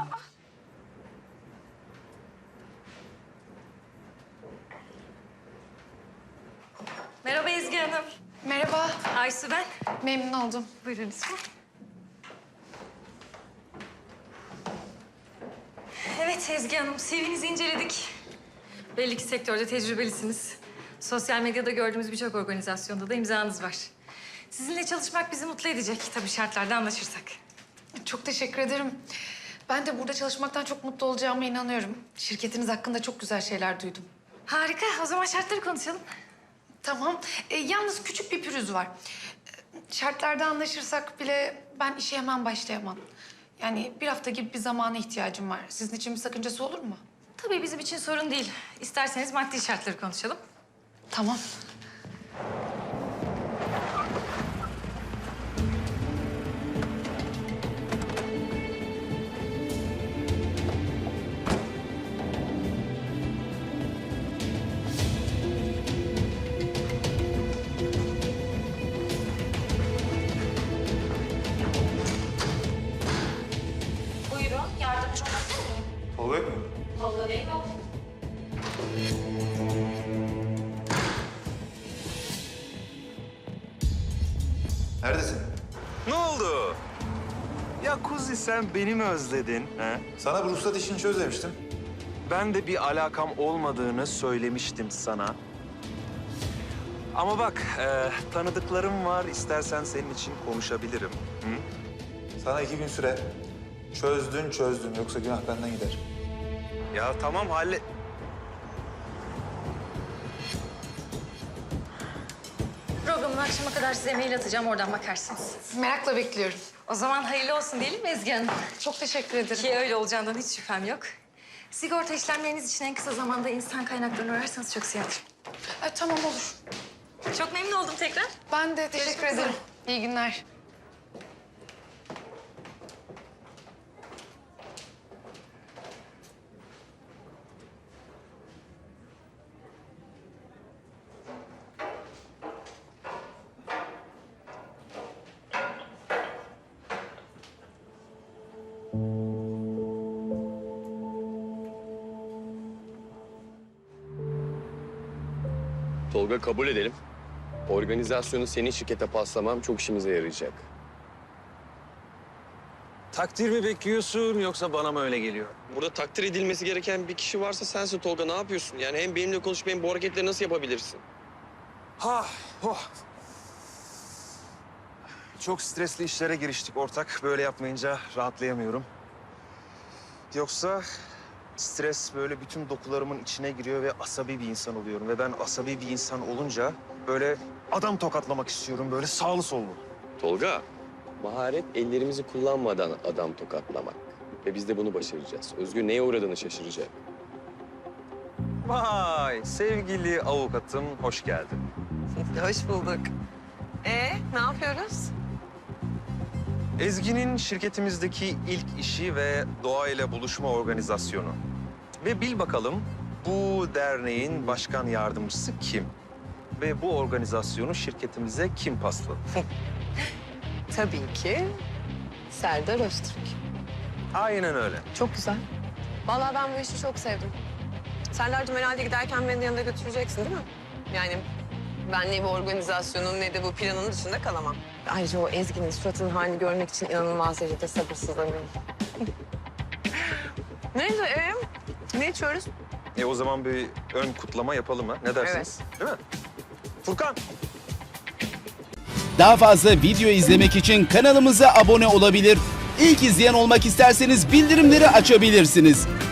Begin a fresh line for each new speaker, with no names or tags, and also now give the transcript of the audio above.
Merhaba Ezgi Hanım.
Merhaba,
Aysu ben.
memnun oldum.
Buyurun lütfen. Evet Ezgi Hanım, CV'nizi inceledik. Belli ki sektörde tecrübelisiniz. Sosyal medyada gördüğümüz birçok organizasyonda da imzanız var. Sizinle çalışmak bizi mutlu edecek tabii şartlarda anlaşırsak.
Çok teşekkür ederim. Ben de burada çalışmaktan çok mutlu olacağıma inanıyorum. Şirketiniz hakkında çok güzel şeyler duydum.
Harika, o zaman şartları konuşalım.
Tamam, yalnız küçük bir pürüz var. Şartlarda anlaşırsak bile ben işe hemen başlayamam. Yani bir hafta gibi bir zamana ihtiyacım var. Sizin için bir sakıncası olur mu?
Tabii bizim için sorun değil. İsterseniz maddi şartları konuşalım.
Tamam.
Buyurun, yardımcı olabilir miyim?
Tolga yok mu?
Tolga Bey yok.
Neredesin?
Ne oldu? Ya Kuzi sen beni mi özledin? He?
Sana bu ruhsat işini çöz demiştim.
Ben de bir alakam olmadığını söylemiştim sana. Ama bak tanıdıklarım var. İstersen senin için konuşabilirim. Hı?
Sana 2 gün süre. Çözdün. Yoksa günah benden gider.
Ya tamam
Programın akşama kadar size mail atacağım, oradan bakarsınız.
Merakla bekliyorum.
O zaman hayırlı olsun diyelim mi Ezgi Hanım?
Çok teşekkür ederim.
Ki öyle olacağından hiç şüphem yok. Sigorta işlemleriniz için en kısa zamanda insan kaynaklarını ararsanız çok sevinirim.
Tamam olur.
Çok memnun oldum tekrar.
Ben de teşekkür
Görüşmek üzere.
ederim. İyi günler.
Tolga kabul edelim. Organizasyonu senin şirkete paslamam çok işimize yarayacak.
takdir mi bekliyorsun yoksa bana mı öyle geliyor?
Burada takdir edilmesi gereken bir kişi varsa sensin Tolga. Ne yapıyorsun? Yani hem benimle konuşup hem bu hareketleri nasıl yapabilirsin?
Çok stresli işlere giriştik ortak. Böyle yapmayınca rahatlayamıyorum. Yoksa stres böyle bütün dokularımın içine giriyor ve asabi bir insan oluyorum. Ve ben asabi bir insan olunca böyle adam tokatlamak istiyorum. Böyle sağlı sollu.
Tolga, maharet ellerimizi kullanmadan adam tokatlamak. Ve biz de bunu başaracağız. Özgür neye uğradığını şaşıracak.
Vay sevgili avukatım hoş geldin.
Hoş bulduk. Ne yapıyoruz?
Ezgi'nin şirketimizdeki ilk işi ve doğayla buluşma organizasyonu. Ve bil bakalım bu derneğin başkan yardımcısı kim? Ve bu organizasyonu şirketimize kim pasladı?
Tabii ki Serdar Öztürk.
Aynen öyle.
Çok güzel. Vallahi ben bu işi çok sevdim. Serdar'cığım herhalde giderken beni de yanında götüreceksin değil mi? Yani ben ne bu organizasyonun ne de bu planın dışında kalamam. Ayrıca o Ezgi'nin suratının halini görmek için inanılmaz derecede sabırsızlanıyorum. Neyse, ne içiyoruz?
O zaman bir ön kutlama yapalım ha? Ne dersiniz? Değil mi? Furkan!
Daha fazla video izlemek için kanalımıza abone olabilir. İlk izleyen olmak isterseniz bildirimleri açabilirsiniz.